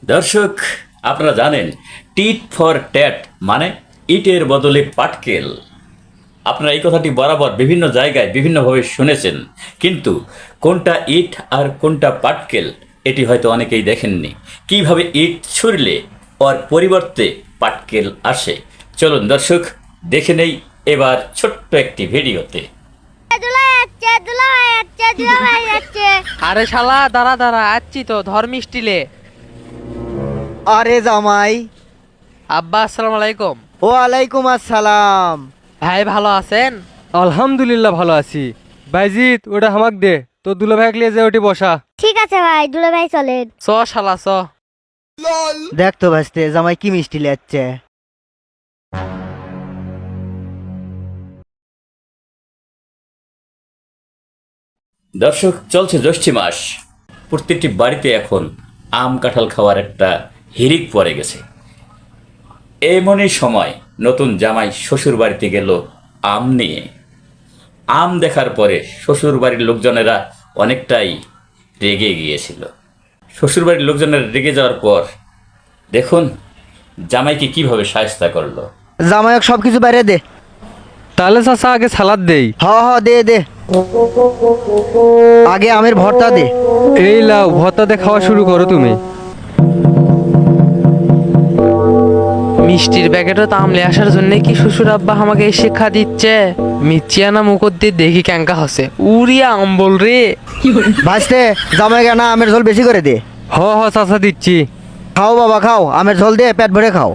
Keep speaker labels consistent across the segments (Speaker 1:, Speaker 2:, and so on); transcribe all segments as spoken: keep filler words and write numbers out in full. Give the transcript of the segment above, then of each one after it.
Speaker 1: দর্শক, আপনারা জানেন টিট ফর ট্যাট মানে ইটের বদলে পাটকেল। আপনারা এই কথাটি বরাবর বিভিন্ন জায়গায় বিভিন্নভাবে শুনেছেন, কিন্তু কোনটা ইট আর কোনটা পাটকেল এটি হয়তো অনেকেই দেখেননি। কিভাবে ইট ছুঁড়লে ওর পরিবর্তে পাটকেল আসে, চলুন দর্শক দেখে নেই এবার ছোট্ট একটি ভিডিওতে।
Speaker 2: আরে শালা দাঁড়া দাঁড়া, আসছি তো, ধর মিষ্টিলে।
Speaker 3: আরে জামাই,
Speaker 2: আব্বা আসসালামু আলাইকুম।
Speaker 3: ওয়ালাইকুম আসসালাম।
Speaker 2: ভাই ভালো আছেন?
Speaker 4: আলহামদুলিল্লাহ ভালো আছি। বাইজিৎ ওটা হামাক দে, তো দুলা ভাই লিয়ে যে ওটি বসা।
Speaker 5: ঠিক আছে ভাই, দুলা ভাই চলেন।
Speaker 2: চ শালা চ।
Speaker 3: দেখ তো ভাসতে জামাই কি মিষ্টি লেচ্ছে।
Speaker 1: দর্শক, চলছে জ্যৈষ্ঠ মাস, প্রত্যেকটি বাড়িতে এখন আম কাঁঠাল খাওয়ার একটা হিড়িক পড়ে গেছে। এমনই সময় নতুন জামাই শ্বশুর বাড়িতে গেল আম নিয়ে। আম দেখার পরে শ্বশুর বাড়ির লোকজনেরা অনেকটাই রেগে গিয়েছিল। শ্বশুর বাড়ির লোকজনেরা রেগে যাওয়ার পর দেখুন জামাইকে কিভাবে শায়েস্তা করলো।
Speaker 3: জামাইক সবকিছু বাইরে দে।
Speaker 4: তাহলে চাচা আগে সালাদ দেই।
Speaker 3: হ হ দে দে, আগে আমের ভর্তা দে।
Speaker 4: এই লাও ভর্তা দিয়ে খাওয়া শুরু করো তুমি।
Speaker 2: মিষ্টির প্যাকেটও তামলে আসার জন্য কি শ্বশুর আব্বা আমাকে এই শিক্ষা দিচ্ছে? মিচিয়ানা মুখর দিয়ে দেখি ক্যাঙ্কা হসে, উড়িয়া আম্বল রে।
Speaker 3: ভাসতে জামাই কেনা আমের ঝোল বেশি করে দে।
Speaker 4: হ হ চাচা দিচ্ছি।
Speaker 3: খাও বাবা খাও, আমের ঝোল দে, পেট ভরে খাও।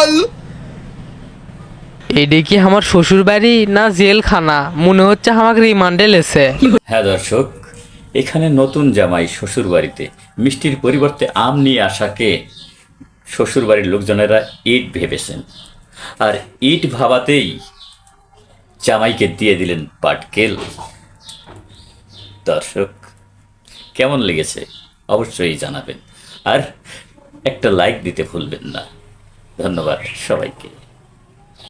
Speaker 2: এটা কি আমার শ্বশুর বাড়ি না জেলখানা? মনে হচ্ছে আমাকে রিমান্ডে লেছে।
Speaker 1: হ্যাঁ দর্শক, এখানে নতুন জামাই শ্বশুর বাড়িতে মিষ্টির পরিবর্তে আম নিয়ে আসাকে শ্বশুর বাড়ির লোকজনেরা ইট ভেবেছেন, আর ইট ভাবাতেই জামাইকে দিয়ে দিলেন পাটকেল। দর্শক, কেমন লেগেছে অবশ্যই জানাবেন, আর একটা লাইক দিতে ভুলবেন না। ধন্যবাদ সবাইকে।